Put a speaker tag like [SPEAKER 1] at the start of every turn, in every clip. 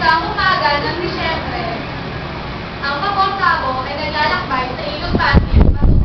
[SPEAKER 1] Isang umaga ng Disyembre, ang kaporsabo ay naglalakbay sa ilog Pasig.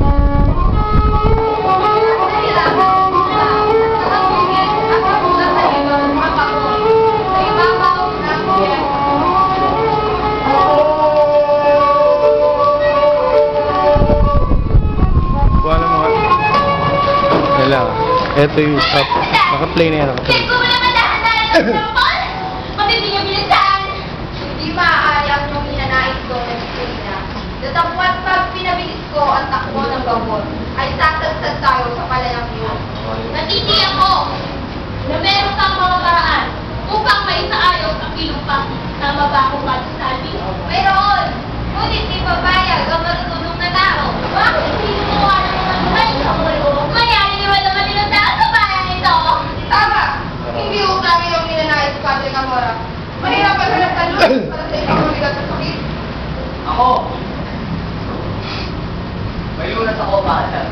[SPEAKER 2] Ito yung stop. Naka-play na yan.
[SPEAKER 1] Check ko wala madahan-dahan ng tungkol! Mabibigyan bilisan! Hindi maaari ang iyong hinanais ko ng Estelina. Datapwat pag pinabilis ko ang takbo ng gamot, ay sasadsad tayo sa palayang iyon. Natitiyak ko na meron kang mga paraan upang maisaayos ang ilumpang na mabakong pagsasabi. Mayroon! Ngunit di papayag ang marunong na tao. Bakit hindi gumawa ng mga luhay sa ulo? Mayayaniwan naman din ang tao sa bayan ito. Tama! Hindi utang yung ninanais sa Padre Camora. Mahirap pa sa nagtalun para sa isang mabigat sa sakit.
[SPEAKER 3] Ako! May lunas ako, Bahasal.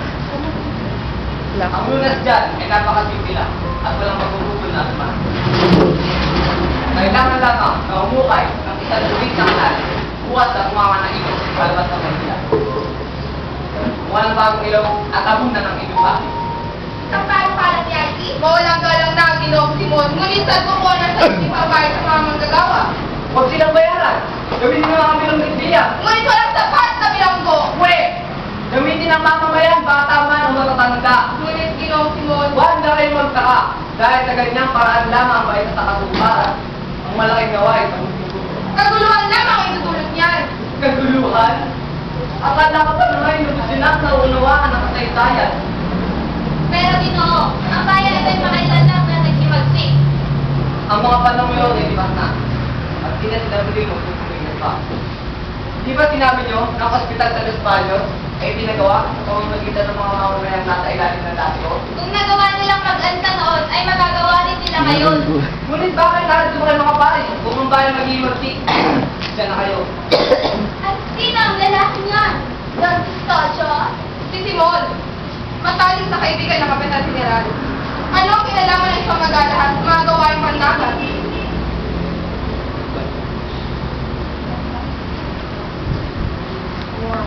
[SPEAKER 3] Ang lunas dyan ay napakasimple lang at walang magugugol na naman. Kailangan lamang na umukay ng isang luwing na kanal buhat at umama ng ilog sa palabas ng Manila. Walang bagong ilog at abunan ng ilog pa.
[SPEAKER 1] Ang parang ni Ivy, mawalang galang na ang Ginoong Simon, ngunit sa tuko na sa hindi pabayad sa mga manggagawa.
[SPEAKER 3] Huwag silang bayaran! Gamitin nyo ang bilong nagbiya!
[SPEAKER 1] Ngunit walang sapat na bilanggo.
[SPEAKER 3] Pwe! Gamitin ang mamamayan baka tama ng matatanda.
[SPEAKER 1] Ngunit Ginoong Simon,
[SPEAKER 3] Huwag na kayong magtaka dahil sa ganyang paraan lamang ay sa katuparan. Ang malaking gawain sa mundo.
[SPEAKER 1] kaguluhan lamang ang itutulot niyan.
[SPEAKER 3] Kaguluhan? Akala ka pa na ngayon sinak na unawaan ng kasaysayan.
[SPEAKER 1] Pero Ginoo, ang bayan ay makailan lang na nagkimagsik.
[SPEAKER 3] Ang mga panahon yun ay lipas na. At di na sinabi mo kung tuloy pa. Di ba sinabi nyo na ang ospital sa Los Baños ay pinagawa sa pamamagitan ng mga mamamayang nasa ilalim ng dato?
[SPEAKER 1] Kung nagawa nilang mag-anta noon, ay magagawa rin nila ngayon.
[SPEAKER 3] Ngunit bakit lahat mo kayo makapari? Kung ang bayan mag-iimagsik, dyan na kayo.
[SPEAKER 1] At sino ang lalaki niyan? Don Pistacho? Si Simon. Matalik sa kaibigan ng Kapitan General. Ano ang kinalaman ng isang mag-alahas sa mga gawaing pandakan?